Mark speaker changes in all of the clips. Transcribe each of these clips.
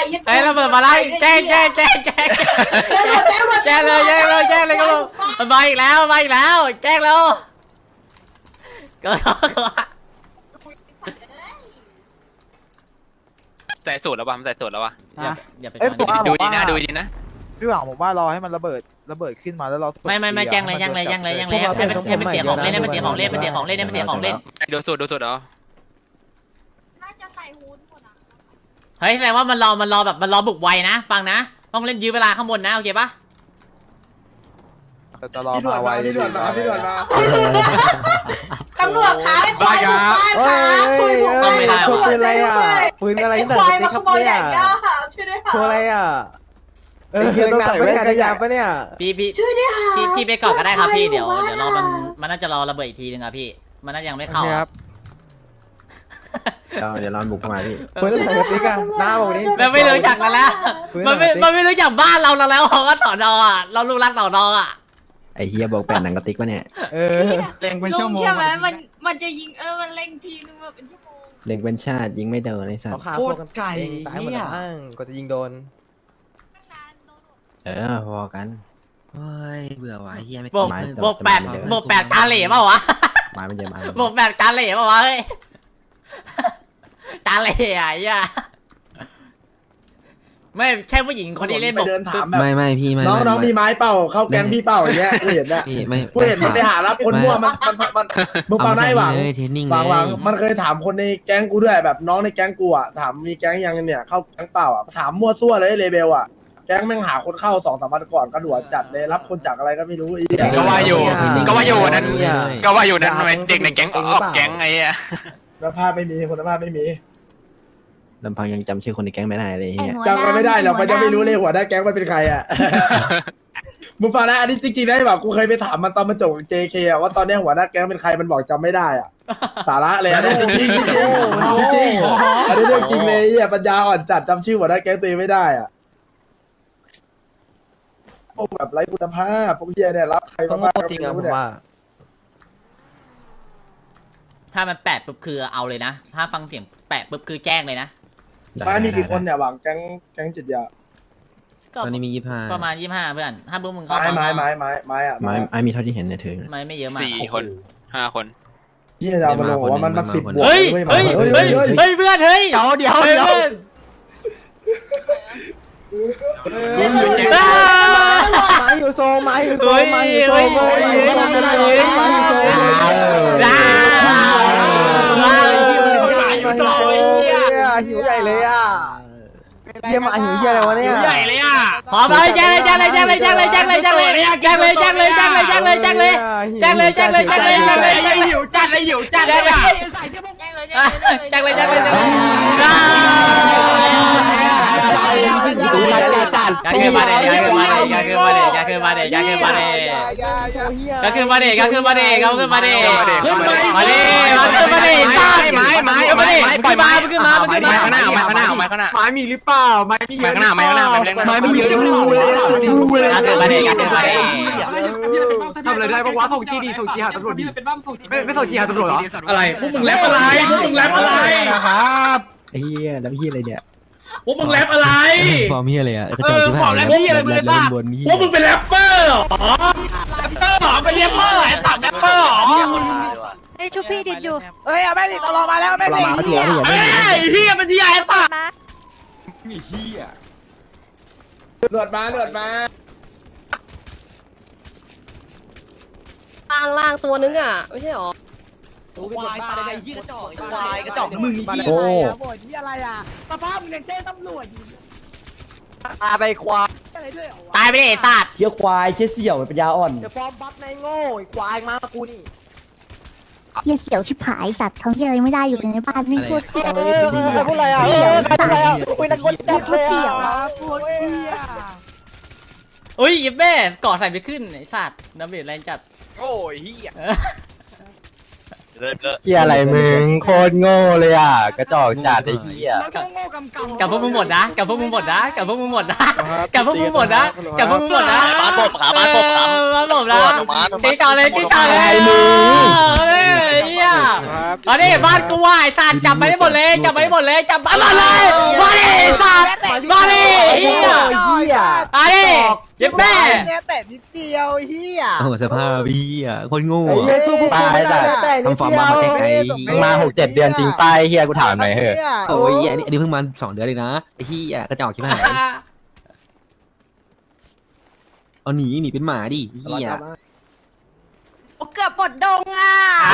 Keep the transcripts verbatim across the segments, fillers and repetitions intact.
Speaker 1: ไอ้ระเบิดมาไล่แจ้งแจ้งแจ้งแจ้งแจ้งเลยแจ้งเลยแจ้งเลยครับมันมาอีกแล้วมาอีกแล้วแจ้งแล้วก็
Speaker 2: ใส่สูตรแล้ววะมันใส่สูตรแล้ววะ
Speaker 1: อย่าอย่าไป
Speaker 2: ดูดีนะดูดีนะ
Speaker 3: พี่หวังผมว่ารอให้มันระเบิดระเบิดขึ้นมาแล้วเรา
Speaker 1: ไม่ไม่ไม่แจ้งเลยแจ้งเลยแจ้งเลยแจ้งเลยให้มันให้มันเสียของเล่นให้มันเสียของเล่นมันเสียของเล่นให้มันเสียของเล่น
Speaker 2: ดูสูตรดูสูตรเหรอ
Speaker 4: น่าจะใส่ฮูดหมดอ่ะ
Speaker 1: เฮ้ยแสดงว่ามันรอมันรอแบบมันรอบุกไวนะฟังนะต้องเล่นยื้อเวลาข้างบนนะโอเคปะ
Speaker 3: จะรอมาไวพี่ด่วนมาพี่ด่วนมา
Speaker 4: ตำรวจขาไอ้ควายบุกบ้านขาคุยบุกบ้านตำรวจปืนอะไรอ่ะปืนอะไรตั้งแต่เด็กครับเนี่ยช่วยด้วยค่ะอะไรอ่ะเออต้องใส่แว่นกันยางปะเนี่ย
Speaker 1: พี่พี่ช่วยด้วยค่ะพี่พี่ไปก่อนก็ได้ครับพี่เดี๋ยวเดี๋ยวรอมันมันน่าจะรอระเบิดอีกทีนึงครับพี่มันน่าจะยังไม่เข้าครับ
Speaker 5: เดี๋ยวเราบุกมาพี่
Speaker 3: ปืนอะไรติ๊กอะหน้าบอกนี้
Speaker 1: มันไม่รู้จักแล้วแล้วมันไม่มันไม่รู้จักบ้านเราแล้วแล้วว่าสอนอ่ะเราลูกรักสอนอ่ะ
Speaker 5: ไอเฮียบอกแปดหนังกระติกวะเนี่ย
Speaker 3: เออเล็งเป็นชั่วโมง
Speaker 4: ใช่ไหมมันมันจะยิงเออมันเล็งทีนึงแบบเป็นชั่วโมง
Speaker 5: เล็งเป็นชาติยิงไม่โดนไอสัตว์
Speaker 3: โคตรไก่ตายหมดแล้วก็จะยิงโดน
Speaker 5: เออพอกัน
Speaker 6: เฮ้ยเบื่อว่ะเฮียไม่
Speaker 1: บวกบวกแปดบวกแปดกาเหล่เปล่าวะ
Speaker 5: มามันเยอะมา
Speaker 1: บวกแปดกาเหล่เปล่าวะเฮ้ยกาเหล่อะไอ้ไม่แค่ผู้หญิงคนที่เล่นบวก
Speaker 6: ไม่ไม่พี่ไม่
Speaker 7: น้องน้องมีไม้เป่าเข้าแก๊งพี่เป่าอย่างเงี้ยกูเห็นเนี่ย
Speaker 6: พี่ไม่
Speaker 7: กูเห็นมันไปหารับคนมั่วมันมันมันมึงเป่าได้หวัง
Speaker 6: เทรนนิ่ง
Speaker 7: หวังหวังมันเคยถามคนในแก๊งกูด้วยแบบน้องในแก๊งกูอ่ะถามมีแก๊งยังเนี่ยเข้าแก๊งเปล่าอ่ะถามมั่วซั่วเลยเลเบลอ่ะแก๊งแม่งหาคนเข้าสองสามวันก่อนกระโดดจัดเลยรับคนจากอะไรก็ไม่รู้อี
Speaker 2: ก็ว่าอยู่ก็ว่าอยู่นั้นก็ว่าอยู่นั้นทำไมเด็กในแก๊งออกแก๊งไอ้อะ
Speaker 7: คุณภาพไม่มีคุณภาพไม่มี
Speaker 5: ลำพังยังจำชื่อคนในแก๊งไม่ได้เลยเฮีย
Speaker 7: จำกันไม่ได้หรอกมันจะไม่รู้เลยหัวหน้าแก๊งมันเป็นใครอ่ะ มึงฟังนะอันนี้จริงๆได้แบบกูเคยไปถามมันตอนมันจบ เจ เค อ่ะว่าตอนนี้หัวหน้าแก๊งเป็นใครมันบอกจำไม่ได้อ่ะ สาระเลยอันนี้จริงจริงจริงอันนี้เรื่องจริงเลยอ่ะปัญญาอ่อนจัดจำชื่อหัวหน้าแก๊งตัวเองไม่ได้อ่ะพวกแบบไร้คุณภาพพวกเหี้ยเนี่ยรับใครมาบ้างจริงอ่ะผมว่า
Speaker 1: ถ้ามันแปดปุ๊บคือเอาเลยนะถ้าฟังเสียงแปดปุ๊บคือแจ้งเลยนะ
Speaker 7: บ้านมีกี่คนเนี่ยหวังแก๊งแก๊งจิตยา
Speaker 1: ก็
Speaker 6: ตอนนี้มียี่ห้า
Speaker 1: ประมาณยี่ห้าเพื่อนถ้าพวกมึงเข้า
Speaker 7: ไม้ไม้ไม้ไม้ไม้อะ
Speaker 5: ไม้ไอ้มีเท่าที่เห็นเนี่ยถือ
Speaker 1: ไม่ไม่เยอะมาก
Speaker 2: สี่คนห้าคน
Speaker 7: ยี่จะมาลงว่ามันมันสิบบวก
Speaker 1: เฮ้ยเฮ้ยเฮ้ยเฮ้ยเพื่อนเฮ้ย
Speaker 3: เดี๋ยวเดี๋ยวเดี๋ยว มาอยู่โซมาอยู่โซมาอยู่โซมาอยู่โซมาอยู่โซมาอยู่โซหิวใหญ่เลยอ่ะเยี่ยมหิวเยี่ยอะไรวะเนี่ย
Speaker 1: ใหญ่เลยอ่ะขอไปแจ้งเลยแจ้งเลยแจ้งเลยแจ้งเลยแจ้งเลยแจ้งเลยแจ้งเลยแจ้งเลยแจ้งเลยแจ้งเลยแจ้งเลยแจ้งเลยแจ้งเลยแจ้งเลยแจ้งเลยแจ้งเลยหิวจัดเลยหิวจัดเลยแจ้งเลยแจ้งเลยแจ้งเลยแจ้งเลยก็คือมาเดยก็คือมาเดยก็คือมาเดยก็คือมาเดยก็คือมาเดยก็คือมาเดยก็คือมาเดยก็คือมาเดยมาเดยมาเดยมาเดยซ่าไม้ไม้ไม้ไม้ปล่อยไม้มันขึ้นมามันขึ้นมา
Speaker 2: ไม้ข้างหน้าไม้ข้างหน้าไม้ข้างหน้า
Speaker 3: ไม้มีหรือเปล่าไม้มี
Speaker 2: ไม้ข้างหน้าไม้ข้างหน้าไม้เล็ก
Speaker 3: ไม้มีเยอะรูเลยรูเลย
Speaker 1: ก็คือมาเดยก็คือมาเดย
Speaker 3: ทำอะไรได้บ้างวะส่งจีดีส่งจีหาตำรวจดีไม่ไม่ส่งจีหาตำรวจเหรอ
Speaker 8: อะไรพวกมึงแรปอะไรพวกมึงแรปอะไร
Speaker 3: นะครับ
Speaker 5: ไอ้เฮียแล้วเฮียอะไรเนี่ย
Speaker 8: พวกมึงแรปอะไร
Speaker 6: ฟอร์มเฮียเลยอ่ะ
Speaker 8: เออบอกแรปพี่อะไรมึงเลยป่ะพวกมึงเป็นแรปเปอร์เหรอแรปเปอร์เหรอเป็นแรปเปอร์ไอ้สัตว์แรปเปอร์เหรอ
Speaker 4: ไอ้ชุบพี่ดิดอยู่
Speaker 3: เฮ้ยแม่ดิตลอดมาแล้วแม่ดิ
Speaker 5: มาเถียง
Speaker 8: เฮ้ยเฮียเป็นที่ไอ้สัตว์
Speaker 7: หลวดมาหลวดมา
Speaker 4: ล่างล่างตัวนึงอ่ะไม่ใช่หรอ
Speaker 3: ควายตายยี่กระจอกควายกระจอกมึงอีก
Speaker 5: โอ้
Speaker 3: บ่นที่อะไรอ่ะสภาพมึงยังเจ้ตำรวจอยู่ตาไปควายอะไรด้วย
Speaker 1: ตายไปดิตัด
Speaker 3: เชี่ยควายเชี่ยเสี่ยวปัญญาอ่อนจะฟอร์มบัฟในโง่ควายมากูนี่
Speaker 9: เฮียเขียวชิบหายสัตว์เขาเฮียอะไรไม่ได้อยู่ในบ้านไม่พูดเสีย
Speaker 3: เออพูดอะไรอ่ะเออใครพูดอะไรอ่ะคุยนักคนจับเลยอ่ะพูดเสีย
Speaker 1: เฮ้ยยิบแม่กอดใส่ไปขึ้นไอ้สัตว์น้ำเบียดแรงจัด
Speaker 2: โอ้ยเฮีย
Speaker 5: เฮียอะไรมึงโคตรโง่เลยอ่ะกระจอกจัดไอ้เฮีย
Speaker 1: กับพวกมึงหมดนะกับพวกมึงหมดนะกับพวกมึงหมดนะกับพวกมึงหมดนะกับพวกมึงหมดนะมาหลบขามาหลบขามาหลบนะตีต่อเลยตีต่อเลยมึงเฮ้ยเฮียอันนี้บ้านกูว่าไอ้สัตว์จับไปได้หมดเลยจับไปได้หมดเลยจับมาเลยมาดิสัตว์มาดิเฮีย
Speaker 3: เฮีย
Speaker 1: มาดิเย็บแม่
Speaker 3: เนี่ยแต่นิดเดียวเฮีย
Speaker 6: โอ้สภาพพี่อ่ะคนโง่
Speaker 3: ไอ้เฮียสู้พวกกูไม่ได้แต่นิดเดียว
Speaker 5: มึงมาหกเจ็ดเดือนจริงป้ายเฮียกูถามหน่อยเถอะ
Speaker 6: โอ้ยอันนี้อันนี้เพิ่งมาสองเดือนเลยนะไอ้พี่อ่ะกระจอกชิบหายเอาหนีหนีเป็นหมาดิพี่อ่ะ
Speaker 4: เกือบปลดดงอ่ะ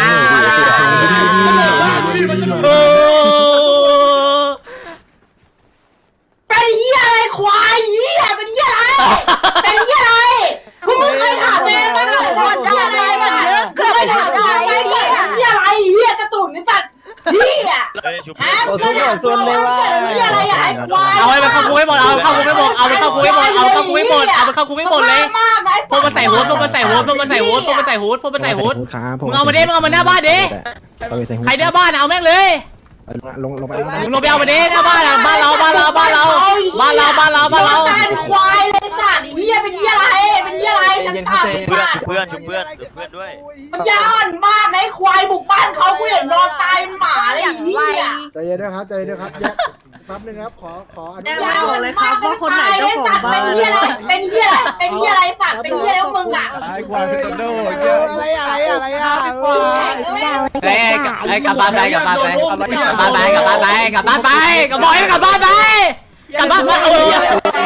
Speaker 4: เป็นเหี้ยอะไรควายเหี้ยเป็นเหี้ยอะไรเป็นเหี้ยอะไรพวกมึงเคยถามเองมั้ยเหรอว่าเหี้ยอะไรกันเคยถามเองไหมเหี้ยเหี้ยอะไรเหี้ยกระตุ่นนี่สัตว์เหี้ยฮะเคยถามส่วนเลยว่าเหี้ยอะไรไอ้ควาย
Speaker 1: เอาไปเข้าคุกให้หมดเอาเข้าคุกให้หมดเอาไปเข้าคุกให้หมดเอาเข้าคุกให้หมดเอาไปเข้าคุกให้หมดเลยพวกมันใส่ฮูดพวกมันใส่ฮูดพวกมันใส่ฮูดพวกมันใส่ฮูดพวกมันใส่ฮูดมึงเอามาดิมึงเอามาหน้าบ้านดิใครหน้าบ้านเอาแม่งเลย
Speaker 5: ลงลงไป
Speaker 1: มึงลงไปเอามาดิหน้าบ้านบ้านเราบ้านเราบ้านเราบ้านเราบ้านเราบ้านเรา
Speaker 4: การควายเลยสัตว์เหี้ยเป็นเหี้ยอะไรเป็นเหี้ยอะไรฉันถามเพื่อน
Speaker 2: เพื่อนชุบเพื่อนเพื่อนด้วย
Speaker 4: มันยานมากนะควายบุกบ้านเขากูเห็นนอนตายเป็นหมาเลยเหี้ย
Speaker 7: ใจเย็นด้วยครับใจเย็นด้วยครับแยกแป๊บนึงครับขอขออนุ
Speaker 4: ยา
Speaker 7: ญาต
Speaker 4: นเลยครับว่าคนไหนเจ้าของบ้านเป็นเหี้ยอะไรเป็นเหี้ยอะไรเป็นเหี้ยอะไรสัตว์เป็นเหี้ยแล้วมึงอ่ะ
Speaker 3: อะไรอะไรอะไรอ่ะ
Speaker 1: ไอ้ไอ้กลับบ้านไปกลับบ้านไปกลับบ้านไปกลับบ้านไปกลับบ้านไปกลับบ้านไปกลับบ้านไปกลับบ้านไปกลับบ้านไปเออ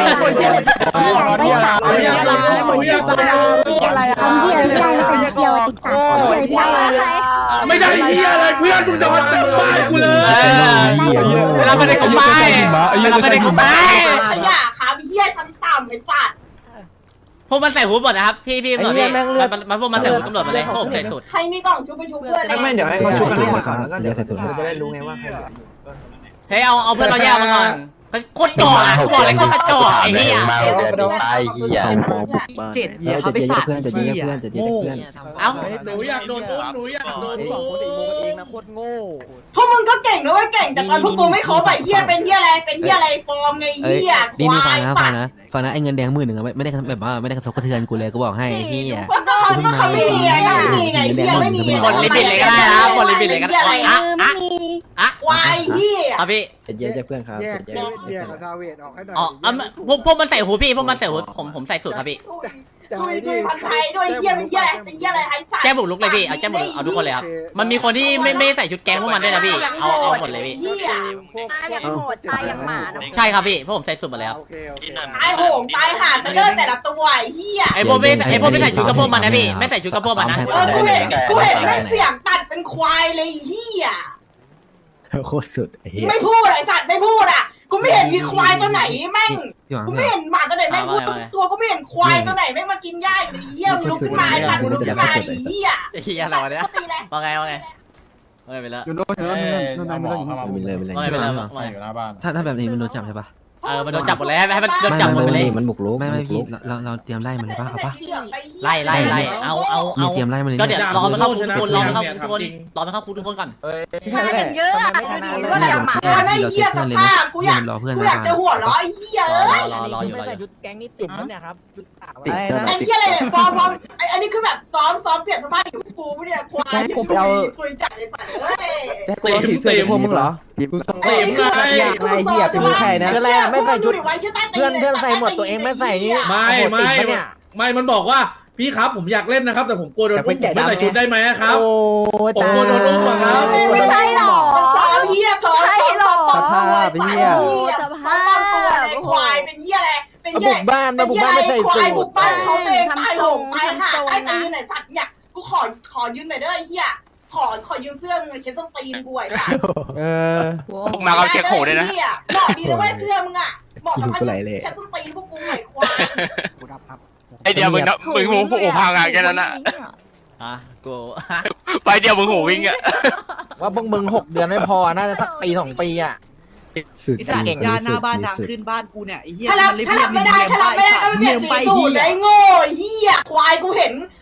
Speaker 9: อะไรทำเหี้ยไม่ได้ทำเดียวติดสามเหี้ยไม่ได้
Speaker 8: ไม่ได้เฮียอะไรเพื่อนมึงนอนเต็มบ้านกูเลย
Speaker 1: เวลาไปในกลุ่มไปเวลาไปในกลุ่มไป
Speaker 4: ขยะขาเหี้ยชั้นต่ำไอ้สัตว์
Speaker 1: พวกมันใส่หูหมดนะครับพี่พี่ตำรวจพี่มันมันพวกมันใส่หูตำรวจมาเลยพวกผมใส่สุด
Speaker 4: ใครมีกล่องชุบไปชุบเพื่อนเลย
Speaker 5: ไม่เดี๋ยวให้เขาชุบกันก่อนแล้วก็เดี๋ยวใส่ถุงจะได้รู้ไงว่า
Speaker 1: เฮ้ยเอาเอาเพื่อนเราแยกมาก่อนโคตรจ่ออ่ะกูบอกเลยโคตรจ่อไอ้เหี้ย
Speaker 5: มาเดือนตายเฮีย
Speaker 6: เจ็ดเหี้ยเขาไปสาดเพื่อนจะยิงเพื่อนจะยิงเพื่อน
Speaker 1: เอ้า
Speaker 8: หนูอยากโดนอุ้มหนูอยากโดน
Speaker 3: สองคนอีโมกันเองนะโคตรโง่
Speaker 4: พวกมึงก็เก่งนะเว้ยเก่งแต่ตอนพวกกูไม่ครบไอ้เหี้ยเป็นเหี้ยอะไรเป็นเหี้ยอะไรฟอร์มไง
Speaker 6: เอ้ย
Speaker 4: เหี้ย
Speaker 6: นี่
Speaker 4: ค
Speaker 6: นี่ฟั
Speaker 4: วาง ย
Speaker 6: นะ
Speaker 4: สั
Speaker 6: ฟั
Speaker 4: ต
Speaker 6: ง
Speaker 4: ว์
Speaker 6: นะฟังนะไอ้เงินแดงหมื่นหนึ่งอะไม่ได้แบบว่าไม่ได้กระทบกระเทือนกูเลยกูบอกให้ไอ้เหี้ย
Speaker 4: ก็เขาก็เขาไม่มีไงก็ไม่มีไงเหี้ยไม่มี
Speaker 1: หมดลิมิตเลยก็ได้นะหมดลิมิตเลยก็ได้อ่ะอ่ะอ่ะ
Speaker 4: ควายเหี้ย
Speaker 1: เอาพี่
Speaker 5: เย็นใจเพื่อนครับ
Speaker 7: แยกแยกแยกกับซาเวตออกให้หน่อย
Speaker 1: อ๋อเอาพวกพวกมันใส่หูพี่พวกมันใส่หูผมผมใส่สุดครับพี่
Speaker 4: ดุยดุยพันไทยด้วยเหี้ยเป็นเหี้ยอะไรเป็นเหี้ยอะไรไอ้สัตว์
Speaker 1: แจ้งบุกลุกเลยพี่เอาแจ้งบุกลุกเอาทุกคนเลยครับมันมีคนที่ไม่ไม่ใส่ชุดแก๊งพวกมันด้วยนะพี่เอาเอาหมดเลยพี่
Speaker 4: เหี้ย
Speaker 3: ตายอย่างโหดตายอย่างหมาเนาะ
Speaker 1: ใช่ครับพี่พวกผมใส่สุดหมดแล้ว
Speaker 7: โอเคโอเค
Speaker 4: ตายโหงตายห่าจะเดินแต่ละตัวไอ้เหี้ย
Speaker 1: ไอ้พวกไม่ไอ้พวกไม่ใส่ชุดกระโปรงมันนะพี่ไม่ใส่ชุดกระโปรงมันนะ
Speaker 4: เออกูเห็นกูเห็นแม่งเสียงตัดเป็นควายเลยเหี้ย
Speaker 5: โคตรสุดเฮีย
Speaker 4: ไม่พูดไอ้สัตว์ไม่พูดอ่ะกูไม่เห็นมีควายตัวไหนแม่ง
Speaker 6: พี่หวัง
Speaker 4: กูไม่เห็นหมาตัวไหนแม่งพูดตัวกูไม่เห็นควายตัวไหนแม่งมากินหญ้าอยู่เลยเหี้ยมึงลุกขึ้นมาไอ้สัตว์มึงลุกขึ้นมาไอ้เหี้ย
Speaker 1: ไอ้เหี้ยอะไรวะเนี่ย
Speaker 4: ตีเลย
Speaker 1: ว่าไงว่าไงว่าไงไปแล้ว
Speaker 5: มันเลยมันเลย
Speaker 1: ว่าไงไปแล้วว่าไง
Speaker 6: ถ้าถ้าแบบนี้มันโดนจับใช่ปะ
Speaker 1: เออมันโดนจับหมดเลยให้ให้มันโดนจับหมดไปเลย
Speaker 5: มันบุกรุก
Speaker 6: ไม่ไม่พี่เราเราเตรียมไล่มันเลยปะเอาปะ
Speaker 1: ไล่ไล่ไล่เอาเอา
Speaker 6: มี
Speaker 1: เอา
Speaker 6: เตรียมไล่มันเลย
Speaker 1: ก็เดี๋ยวรอมันเข้าคุกทุกคนรอมันเข้าคุกทุกคนรอมันเข้าคุกทุกคนก่อน
Speaker 3: มากันเยอะอ่ะ
Speaker 4: ก็อยากหมาไอ้เหี้ยสภาพกูอยากกูอยากจะหัวเราะไอ้เหี้ย
Speaker 1: ร
Speaker 4: เอ้
Speaker 1: อย รอรออยู่รอ
Speaker 3: ไม่
Speaker 1: อ
Speaker 3: ใส่
Speaker 1: ยู่
Speaker 3: ชุดแก๊งนี่ติดแล้วเนี่ยครับชุดขาว
Speaker 5: อะไรนะ
Speaker 4: ไอ้เหี้ยอะไรเนี่ยฟอร์มฟอร์มไอ้อันนี้คือแบบซ้อมซ้อมเปลี่ยนสภาพอยู่กูเนี่ยควายคุยจัดเลยสัตว์เอ้ย
Speaker 5: แจ็คกูเอาสีเสื้อพวกมึงเหรอกูส่ง
Speaker 4: ไอ้นี่คือแบบ
Speaker 3: อยากนายเหี้ยเป็นใครนะคืออะไรอ่ะไม่ใส่ชุดเพื่อนเพื่อนใส่หมดตัวเองไม่ใส่นี่
Speaker 8: ไม่ไม่ไม่มันบอกว่าพี่ครับผมอยากเล่นนะครับแต่ผมกลัวโดนอุ้มผมไม่ใส่ชุดได้ไหมครับ
Speaker 3: โอ้
Speaker 8: ผมกลัวโดนอุ้มอะครับ
Speaker 4: ไม่ใช่หรอกซ้อมเหี้ยซ้อมซ้อม
Speaker 3: สภาพเหี้ย
Speaker 4: สภาพตัวไอ้ควายเป็นเหี้ยอะไรเป็น
Speaker 3: มา
Speaker 4: เหี้
Speaker 3: บุ
Speaker 4: ย
Speaker 3: กบ้านมาบุกบ้านไม่ใส่
Speaker 4: ควา
Speaker 3: สู
Speaker 4: ยบุ
Speaker 3: ท
Speaker 4: กบ้านเขาเองตายโหงตายห่าตายตีนไหนสัตว์เนี่ยกูขอขอยืมหน่อยเด้อไอ้เหี้ยขอขอยืมเสื้อมึงเช็ดส้นตีนกูไอ้สัตว์
Speaker 5: เออ
Speaker 2: พวกมาเขาเช็คหูด้วยนะ
Speaker 4: บอกดีนะว่าเสื้อมึงอ่ะบอกกับพันเช็ดส้นตีนพวกกูไอ้ควาย
Speaker 7: กูรับครับ
Speaker 2: ไอเดียวมึงนะมึงหูหูพังอะแค่นั้นอะ
Speaker 1: อ่ะกู
Speaker 2: ไปเดียวมึงหูวิ่งอะ
Speaker 3: ว่าพวกมึงหกเดือนไม่พอน่าจะสักปีสองปีอ่ะ
Speaker 5: สุด
Speaker 10: ไอ้สัตว์ยานหน้าบ้านทางขึ้นบ้านกูเนี่ยไอ้เหี้ย
Speaker 4: ถ้ารับ
Speaker 10: มันเลย
Speaker 4: ถ้า
Speaker 10: เรีย
Speaker 4: รั
Speaker 10: ก
Speaker 4: บไม่ได้ถ้ารับไม่ได้ก็ไม่เปลี่ยนสีสูตรไอ้โง่เหี้ยควายกูเห็น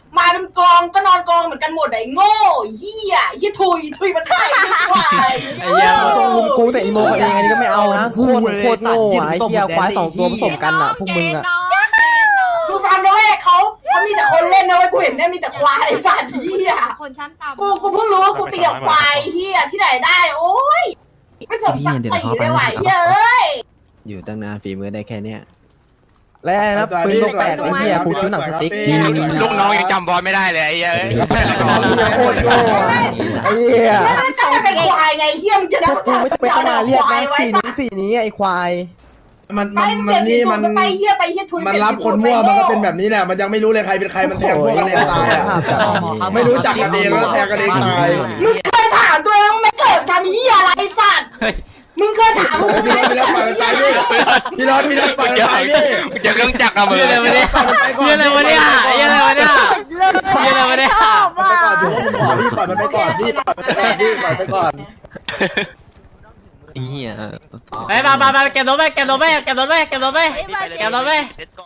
Speaker 4: มาเป็นกองก็นอนกองเหมือนกันหมดไอ้โง่เหี้ยเหี้ยทุยทุยมันไข่ควาย
Speaker 1: ไอ้เหี้ย
Speaker 3: ทรงลุงกูแต่อีโมกับเองอันนี้ก็ไม่เอานะโคตรโคตรโง่ไอ้เหี้ยควายสองตัวผสมกันอ่ะพวกมึงอ่ะ
Speaker 4: กูฟังด้วยเขาเขามีแต่คนเล่นนะเว้ยกูเห็นเนี่ยมีแต่ควายฟันเหี้ย
Speaker 9: คนชั้นต่ำ
Speaker 4: กูกูเพิ่งรู้ว่ากูตีกับควายเหี้ยที่ไหนได้โอ้ยไม่สมศักดิ์ศรีไม่ไหวเย้ย
Speaker 3: อยู่ตั้งนานฝีมือได้แค่เนี้ยแล้วนะปืนลูกแปดไอ้เหี้ยกูคิ้วหนังสติ๊ก
Speaker 2: ลูกน้องยังจำบอลไม่ได้เลยไอ้เหี้ย
Speaker 7: โคตรโง่อะไอ้เหี้ย
Speaker 4: แล้วมันจะเป็นควายไงเหี้ยมึงจะ
Speaker 3: พ
Speaker 4: ได้
Speaker 3: วกกูไม่จะไปต้องมาเรียกนะสี่นิ้วสี่นี้ไอ้ควาย
Speaker 7: มันมั
Speaker 4: ไม่
Speaker 7: น
Speaker 4: เป
Speaker 7: มั
Speaker 4: ลี่ย
Speaker 7: น
Speaker 4: นสี
Speaker 7: นี่
Speaker 4: สู
Speaker 7: มัน
Speaker 4: ตรไปเหี้ยไปเหี้ยทุย
Speaker 7: มันรับคนมั่วมันก็เป็นแบบนี้แหละมันยังไม่รู้เลยใครเป็นใครมันแทงพวกกันเองตายอ่ะไม่รู้จักกันเองแล้วแทงกันเองตาย
Speaker 4: มึงเคยถามตัวเองไม่เกิดทำเหี้ยอะไรสัตว์มึงเคยถามมึง
Speaker 7: พี่
Speaker 4: ไหม
Speaker 7: รถพี่รถปล่อยมันไปดิพี่รถพี่รถปล่อยมันไปดิ
Speaker 2: เจอเครื่องจักรอะมึง
Speaker 1: เหี้ยอะไรวะเนี่ยเหี้ยอะไรวะเนี่ยเหี้ยอะไรวะเนี่ยเหี้ยอะไรวะเนี่ย
Speaker 7: ไปก่อนถือว่าผมขอพี่ปล่อยมันไปก่อนพี่ปล่อยมันไปก่อนพี่ปล่อยไปก่อน
Speaker 6: ไอ้เหี้ย
Speaker 1: ไปมามามาเก็บรถไปเก็บรถไปเก็บรถไปเก็บรถไปเก็บรถไป